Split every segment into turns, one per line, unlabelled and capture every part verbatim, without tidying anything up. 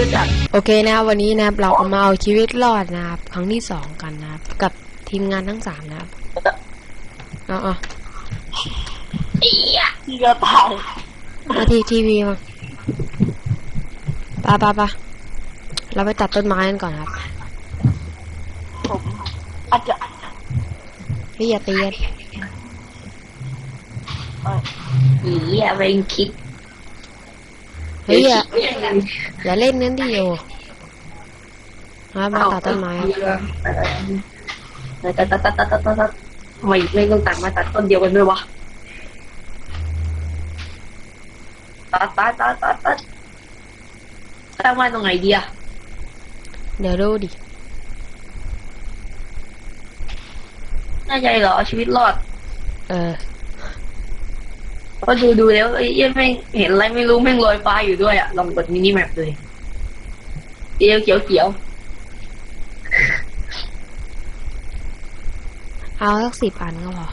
อะจัด
โอเคนะครับวันนี้นะครับเราเอามาเอาชีวิตรอดนะครับครั้งที่สองกันนะครับกับทีมงานทั้งสามนะครับเอาเอา
ที่จะตาย
มาทีทีวีมาปะปะปะเราไปตัดต้นไม้กันก่อนครับ
ผมอาจจะ
พี่อย่าตีกัน
อีอย่าเป็นคิด
เฮ้ยอย่าอย่าเล่นนั้นดิโอมาตัดต้นไม้ครับ
ตัดตัดตัดตัดตัดตัดทำไมไม่ต้องตัดมาตัดต้นเดียวกันด้วยวะตัดตัดตัดตัดตัดตั้งมาตรงไหนดีอะ
เดี๋ยวดูดิ
น่าใจเหรอชีวิตรอด
เออ
ก็ดูดูแล้วไอ้ยังไม่เห็นอะไรไม่รู้แม่งลอยฟ้าอยู่ด้วยอะลองกดมินิแมปเลยเขียวเขียวเขียว
เอาสักสิบอันก็พอ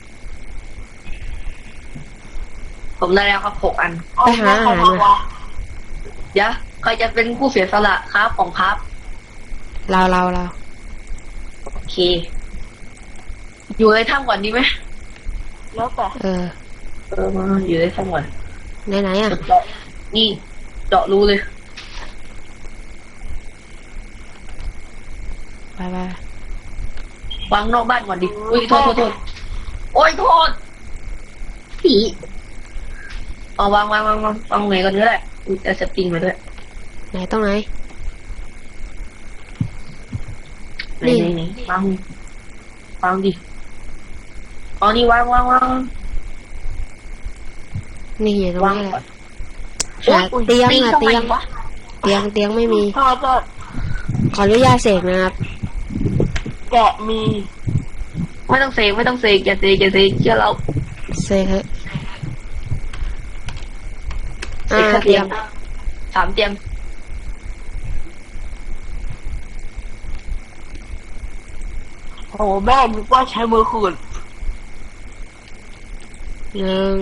ผมได้แล้วครับหกอัน
ไปหาอาหารมา
เดี๋ยวใครจะเป็นผู้เสียสละครับของครับ
เราเราเรา
โอเค อยู่ในถ้ำก่อนดีไหม
แล้วแต่
เออ
เออมาอยู่ในถ้ำก่อน
ไหนไหนอ่ะ
เจาะนี่เจาะรูเลย
ไปไป
วางนอกบ้านก่อนดิอุ้ยโทษโทษโทษโอ้ยโทษผีเอาวางวางวางวางวางไหนก่อนก็ได้อุ้ยจะสปริงมาด้วย
ไหนตรงไหน
ไหนไหนไหนวางวางดิเอานี่วางวางวาง
นี่อยู่ตรง
วาง
นี้แห
ก่อ
ละ
น
หาเตียงหาเตียง
วะ
เตียงเตียงไม่มี
ถ้าจะ
ขออนุญาตเสกนะครับ
แกะมี
ไม่ต้องเสกไม่ต้องเสกอย่าเสกอย่าเสกเชื่อเรา
เสกเถอะ
เส
อ่าก
แค่
เตี
เตี
ย
ย
ง
งสามเตียง
โอ้แม่นึกว่าใช้มือขูด
หนึ่ง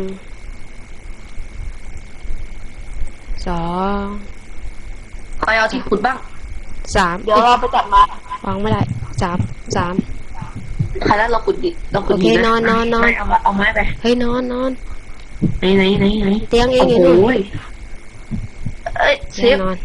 สอง
ใครเอาที่ขุดบ้าง
สาม
เดี๋ยวเราไปจัดมาว
างไม่ได้สามสาม
ใครแล้วเราขุดดิเราขุด
โอเค
ดิ
นอนนอนนอน
ไม่เอามาเอาไม้ไป
เฮ้ยนอนนอน
ไหนไหนไหนไหน
เตียงเอง
โอ้
อยู่
โห
นู่น
เอ้ยเซ
เตียง
ฟ
นอน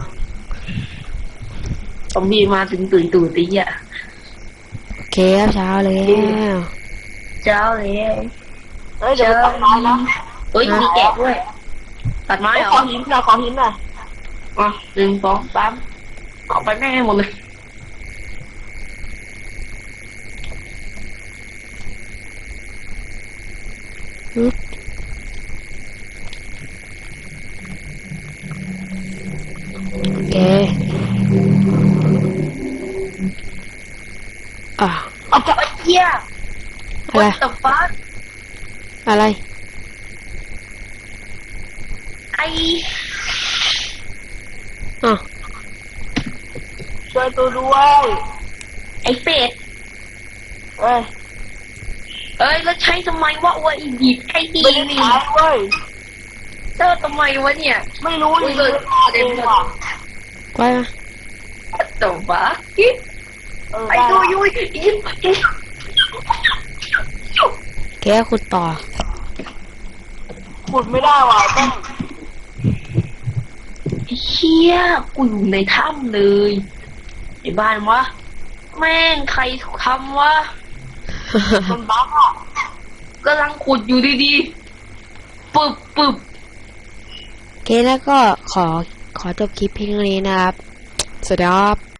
ซอมบี้มาถึงตื่นตื่นตีอ่ะ
โอเคครับเช้าแล้ว
เจ้าเลย
เฮ้ยเดี๋ยวไปตัดไม้นะ
เฮ้ยมีแกะด้วย ตัดไม้
ไอ้
เหร
ขอ
อ
หินหน่อยขอหินหน่อย
อ่ะหนึ่งสองสามเอาไปแม่งให้หมดเลย
ปึ๊บโอเคอ่ะ
เอาจะ
เอ้ยเหี้ย
อะไร
What the fuck
อะไร
ไอ
อ่ะ
ช่วยตัวด้วย
ไอเป็ด
เอ้ย
เอ้ยแล้วใช้ทำไมวะวะอีดิบไอดี
ไม่ได้
นี่
ใช้เว้ย
เจ้าทำไมวะเนี่ย
ไม่รู้
อุ้ย
เล
เลย ย
เองว่ะ
ไว้มา
What the fuck กิ๊บ
เออ
ไอ้
ได้
ดูยุ้ยยิบ
แกขุดต่อ
ขุดไม่ได้ว่ะต้อง
เชี่ยกูอยู่ในถ้ำเลยไอ้บ้านวะแม่งใครทำวะ
มันบั๊กอ่ะ
กำลังขุดอยู่ดีๆปึบปึบ
โอเคแล้วก็ขอขอจบคลิปเพียงเท่านี้นะครับ สวัสดีครับ